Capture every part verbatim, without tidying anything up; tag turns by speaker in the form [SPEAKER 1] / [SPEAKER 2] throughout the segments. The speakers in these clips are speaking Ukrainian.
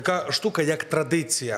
[SPEAKER 1] Така штука, як традиція.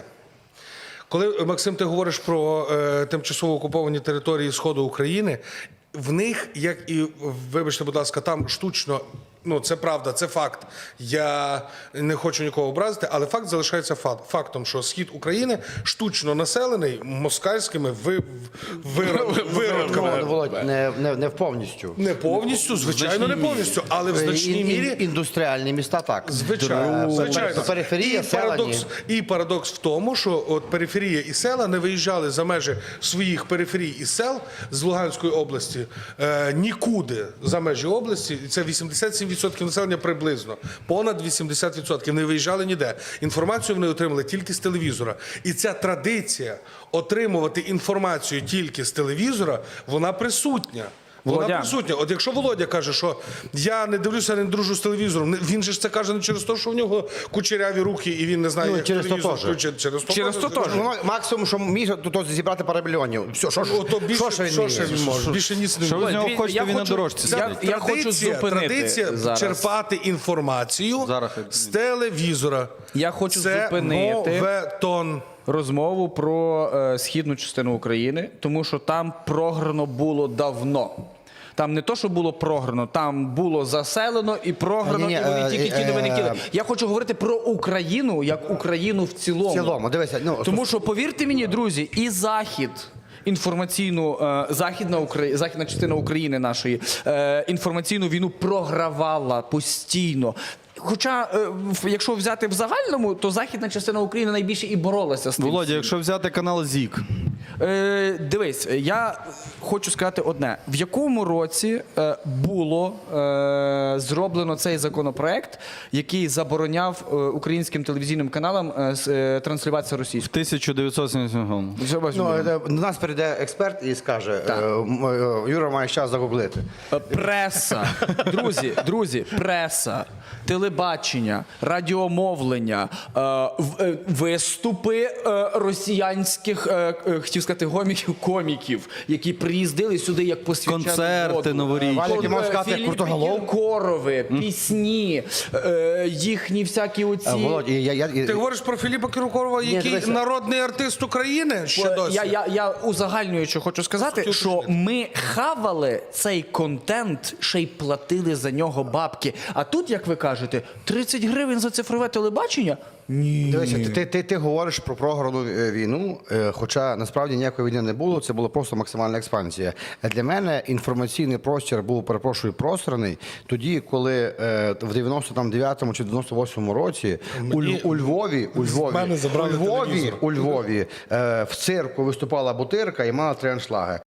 [SPEAKER 1] Коли, Максим, ти говориш про е, тимчасово окуповані території Сходу України, в них, як і, вибачте, будь ласка, там штучно, ну це правда, це факт, я не хочу нікого образити, але факт залишається факт, фактом, що схід України штучно населений москальськими ви, вирод, виродками.
[SPEAKER 2] Ну, Володь, не, не, не повністю.
[SPEAKER 1] Не повністю, звичайно, не повністю, але в значній
[SPEAKER 2] Ін-
[SPEAKER 1] мірі...
[SPEAKER 2] ін- Індустріальні міста так.
[SPEAKER 1] Звичайно, звичайно.
[SPEAKER 2] Периферія,
[SPEAKER 1] і
[SPEAKER 2] села,
[SPEAKER 1] парадокс, і парадокс в тому, що от периферія і села не виїжджали за межі своїх периферій і сел з Луганської області е, нікуди за межі області. І це вісімдесят сім відсотків населення приблизно. Понад вісімдесят відсотків не виїжджали ніде. Інформацію вони отримали тільки з телевізора. І ця традиція отримувати інформацію тільки з телевізора, вона присутня. Вона
[SPEAKER 3] Володя.
[SPEAKER 1] присутня. От якщо Володя каже, що я не дивлюся, не дружу з телевізором, не- він же ж це каже не через те, що в нього кучеряві руки і він не знає,
[SPEAKER 2] Ну,
[SPEAKER 1] як
[SPEAKER 2] через то
[SPEAKER 1] телевізор
[SPEAKER 2] теж.
[SPEAKER 1] включити. Через то
[SPEAKER 3] Через то теж.
[SPEAKER 2] Ну, максимум, що міг, то, то зібрати пару мільйонів. Все, що, ж-
[SPEAKER 1] Ото більше,
[SPEAKER 2] що, ще він
[SPEAKER 1] що ще
[SPEAKER 2] вміє?
[SPEAKER 1] він може? Більше ніц не
[SPEAKER 4] Що ви з
[SPEAKER 1] може.
[SPEAKER 4] нього
[SPEAKER 3] Дві-
[SPEAKER 4] хочете,
[SPEAKER 3] я
[SPEAKER 4] він на
[SPEAKER 3] хочу-
[SPEAKER 4] дорожці
[SPEAKER 3] я-
[SPEAKER 4] сидить?
[SPEAKER 3] я хочу
[SPEAKER 1] Традиція-
[SPEAKER 3] зупинити
[SPEAKER 1] традиція
[SPEAKER 3] зараз.
[SPEAKER 1] черпати інформацію
[SPEAKER 4] Зараз.
[SPEAKER 1] з телевізора.
[SPEAKER 3] Я хочу
[SPEAKER 1] Це
[SPEAKER 3] зупинити
[SPEAKER 1] моветон.
[SPEAKER 3] розмову про е, східну частину України, тому що там програно було давно. Там не то, що було програно, там було заселено і програно,
[SPEAKER 2] Ні-ні,
[SPEAKER 3] і вони
[SPEAKER 2] е,
[SPEAKER 3] тільки ті
[SPEAKER 2] е,
[SPEAKER 3] новини хотіли.
[SPEAKER 2] е,
[SPEAKER 3] Я хочу говорити про Україну, як Україну в цілому.
[SPEAKER 2] В цілому, дивися. Ну,
[SPEAKER 3] Тому що, повірте мені, друзі, і Захід, інформаційну, е, західна, Украї... західна частина України нашої, е, інформаційну війну програвала постійно. Хоча, е, в- якщо взяти в загальному, то західна частина України найбільше і боролася з тим.
[SPEAKER 4] Володя, якщо взяти канал ЗІК,
[SPEAKER 3] Е, дивись, я хочу сказати одне. В якому році е, було е, зроблено цей законопроект, який забороняв е, українським телевізійним каналам е, с- е, транслюватися російською?
[SPEAKER 4] тисяча дев'ятсот сімдесят сьомому.
[SPEAKER 2] ну, е, до нас прийде експерт і скаже, е, м, е, Юра має час загуглити.
[SPEAKER 3] Е, Преса, друзі, друзі, преса, телебачення, радіомовлення, е, в- е, виступи е, росіянських, е, е, хотів сказати, гоміків, коміків, які приїздили сюди як посвячену
[SPEAKER 4] Концерти
[SPEAKER 3] воду.
[SPEAKER 4] новорічні.
[SPEAKER 2] Валя, ти можеш сказати, як
[SPEAKER 3] Філіп
[SPEAKER 2] Крутоголов?
[SPEAKER 3] Кіркорови, пісні, е, їхні всякі оці...
[SPEAKER 2] Е, Володь, я, я, я,
[SPEAKER 1] Ти говориш про Філіпа Кіркорова, який
[SPEAKER 2] дивися.
[SPEAKER 1] народний артист України ще досі?
[SPEAKER 3] Я, я, я узагальнюючи хочу сказати, що ми хавали цей контент, ще й платили за нього бабки. А тут, як ви кажете, тридцять гривень за цифрове телебачення? Ні.
[SPEAKER 2] Дивися, ти, ти, ти, ти говориш про програну е, війну, е, хоча насправді ніякої війни не було, це була просто максимальна експансія. Е, Для мене інформаційний простір був, перепрошую, пространий тоді, коли е, в дев'яносто дев'ятому чи дев'яносто восьмому році у, Ль- у Львові, у Львові,
[SPEAKER 1] мене забрали
[SPEAKER 2] у Львові,
[SPEAKER 1] телевізор.
[SPEAKER 2] у Львові е, в цирку виступала Бутирка і мала три аншлаги.